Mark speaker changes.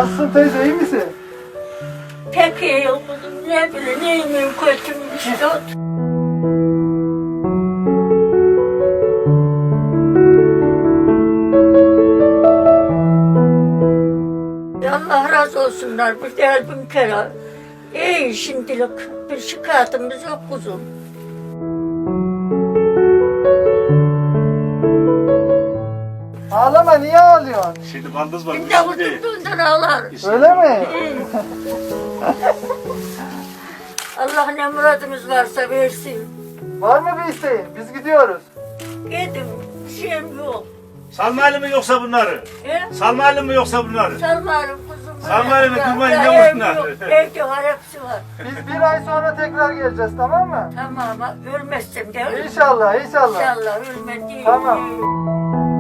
Speaker 1: Nasılsın teyze, iyi misin?
Speaker 2: Pek iyi kuzum, ne bileyim, iyiyim kötüyüm işte. Allah razı olsunlar, bir değil bin kere. İyi şimdilik, bir şikayetimiz yok kuzum.
Speaker 1: Ağlama, niye ağlıyorsun?
Speaker 3: Şimdi baldız var.
Speaker 2: Bir de vurdurduğundan ağlar.
Speaker 1: Öyle mi?
Speaker 2: Allah ne muradımız varsa versin.
Speaker 1: Var mı bir isteğin? Biz gidiyoruz.
Speaker 2: Gidin, bir şeyim yok.
Speaker 3: Salmayalım mı yoksa bunları? Salmayalım mı yoksa bunları?
Speaker 2: Salmarım kuzum.
Speaker 3: Salmayalım mı, durmayın, ne
Speaker 2: Ev
Speaker 3: olsunlar?
Speaker 2: yok, evde var, hepsi var.
Speaker 1: Biz bir ay sonra tekrar geleceğiz, tamam mı?
Speaker 2: Tamam, ölmezsem de
Speaker 1: İnşallah, inşallah.
Speaker 2: İnşallah ölmem değil.
Speaker 1: Tamam.